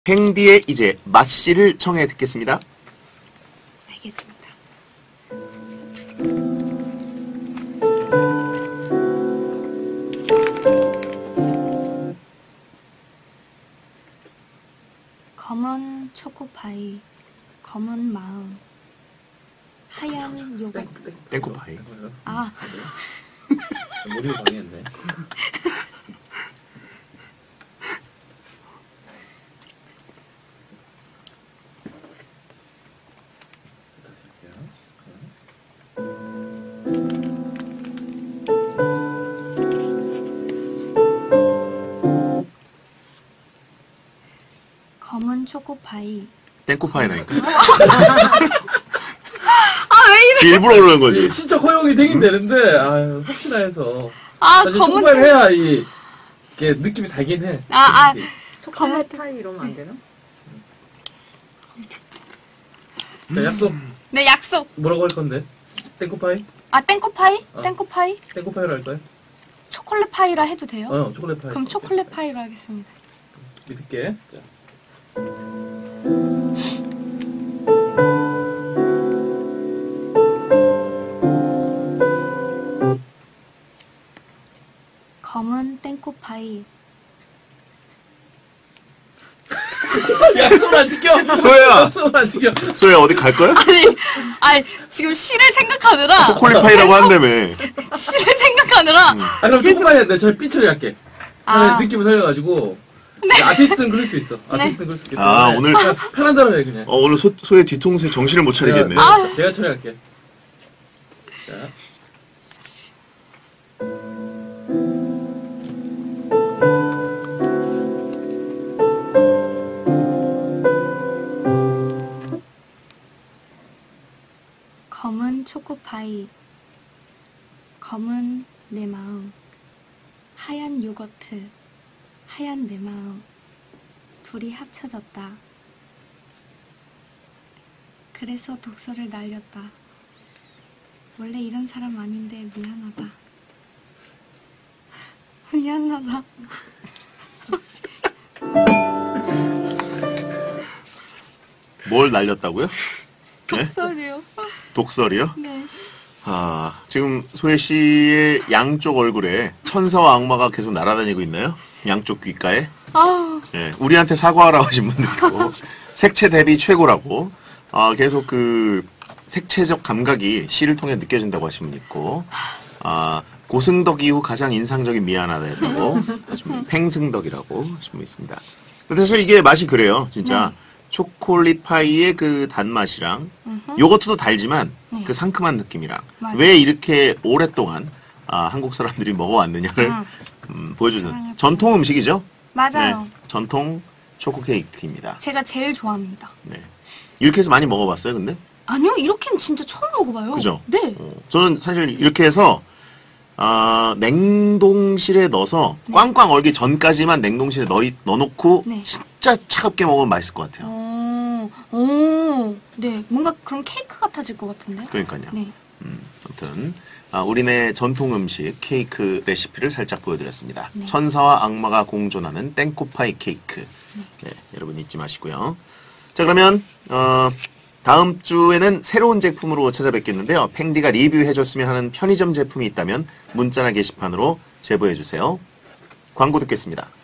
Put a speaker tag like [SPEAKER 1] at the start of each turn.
[SPEAKER 1] 팽디의 이제 맛씨를 청해 듣겠습니다.
[SPEAKER 2] 알겠습니다. 검은 초코파이, 검은 마음, 하얀 요거트.
[SPEAKER 1] 땡코파이.
[SPEAKER 2] 아,
[SPEAKER 3] 머리를 방해했네.
[SPEAKER 2] 검은 초코파이.
[SPEAKER 1] 땡코파이라니까.
[SPEAKER 2] 아, 왜 이래?
[SPEAKER 1] 일부러 그러는 거지.
[SPEAKER 3] 진짜 허용이 되긴 되는데, 아유, 혹시나 해서.
[SPEAKER 2] 아,
[SPEAKER 3] 사실
[SPEAKER 2] 검은
[SPEAKER 3] 초코파이를 해야 이게 느낌이 살긴 해.
[SPEAKER 2] 검은
[SPEAKER 4] 파이 이러면 안 되나?
[SPEAKER 3] 자, 약속.
[SPEAKER 2] 네, 약속.
[SPEAKER 3] 뭐라고 할 건데? 땡코파이?
[SPEAKER 2] 아, 땡코파이?
[SPEAKER 3] 어.
[SPEAKER 2] 땡코파이?
[SPEAKER 3] 땡코파이로 할까요?
[SPEAKER 2] 초콜릿 파이라 해도 돼요?
[SPEAKER 3] 초콜릿 파이.
[SPEAKER 2] 그럼 초콜릿 파이로 하겠습니다.
[SPEAKER 3] 믿을게. 자.
[SPEAKER 2] 검은 땡코파이.
[SPEAKER 3] 약속을 안 지켜!
[SPEAKER 1] 소혜야!
[SPEAKER 3] 약속을 안 지켜!
[SPEAKER 1] 소혜야, 어디 갈 거야?
[SPEAKER 2] 아니, 지금 시를 생각하느라.
[SPEAKER 1] 초콜릿파이라고 한다며.
[SPEAKER 2] 시를 생각하느라.
[SPEAKER 3] 아, 그럼 초코파이 했는데 저 삐처리 할게. 차라리 느낌을 살려가지고. 네. 아티스트는 그럴 수 있어. 아티스트는 그럴 수 있기 때문에.
[SPEAKER 1] 아, 오늘.
[SPEAKER 3] 편한 대로 해, 그냥.
[SPEAKER 1] 오늘 소혜 뒤통수에 정신을 못 차리겠네.
[SPEAKER 3] 내가 처리할게. 자.
[SPEAKER 2] 검은 초코파이, 검은 내 마음, 하얀 요거트, 하얀 내 마음, 둘이 합쳐졌다. 그래서 독서를 날렸다. 원래 이런 사람 아닌데 미안하다. 미안하다.
[SPEAKER 1] 뭘 날렸다고요? 네?
[SPEAKER 2] 독설이요.
[SPEAKER 1] 독설이요?
[SPEAKER 2] 네.
[SPEAKER 1] 아, 지금 소혜 씨의 양쪽 얼굴에 천사와 악마가 계속 날아다니고 있나요? 양쪽 귓가에?
[SPEAKER 2] 아,
[SPEAKER 1] 예, 우리한테 사과하라고 하신 분도 있고, 색채 대비 최고라고, 계속 그, 색채적 감각이 시를 통해 느껴진다고 하신 분 있고, 고승덕 이후 가장 인상적인 미안하다고 하신 분, 팽승덕이라고 하신 분 있습니다. 근데 사실 이게 맛이 그래요, 진짜. 초콜릿 파이의 그 단맛이랑, 요거트도 달지만, 그 상큼한 느낌이랑,
[SPEAKER 2] 맞아요.
[SPEAKER 1] 왜 이렇게 오랫동안, 한국 사람들이 먹어왔느냐를, 보여주는 전통 음식이죠?
[SPEAKER 2] 맞아요.
[SPEAKER 1] 네, 전통 초코 케이크입니다.
[SPEAKER 2] 제가 제일 좋아합니다.
[SPEAKER 1] 네. 이렇게 해서 많이 먹어봤어요, 근데?
[SPEAKER 2] 아니요, 이렇게는 진짜 처음 먹어봐요.
[SPEAKER 1] 그죠?
[SPEAKER 2] 네.
[SPEAKER 1] 저는 사실 이렇게 해서, 냉동실에 넣어서 꽝꽝 얼기 전까지만 냉동실에 넣어놓고
[SPEAKER 2] 네.
[SPEAKER 1] 진짜 차갑게 먹으면 맛있을 것 같아요.
[SPEAKER 2] 네. 뭔가 그런 케이크 같아질 것 같은데?
[SPEAKER 1] 그러니까요.
[SPEAKER 2] 네.
[SPEAKER 1] 아무튼, 우리네 전통 음식 케이크 레시피를 살짝 보여드렸습니다.
[SPEAKER 2] 네.
[SPEAKER 1] 천사와 악마가 공존하는 땡코파이 케이크. 네, 여러분 잊지 마시고요. 자, 그러면, 다음 주에는 새로운 제품으로 찾아뵙겠는데요. 팽디가 리뷰해줬으면 하는 편의점 제품이 있다면 문자나 게시판으로 제보해주세요. 광고 듣겠습니다.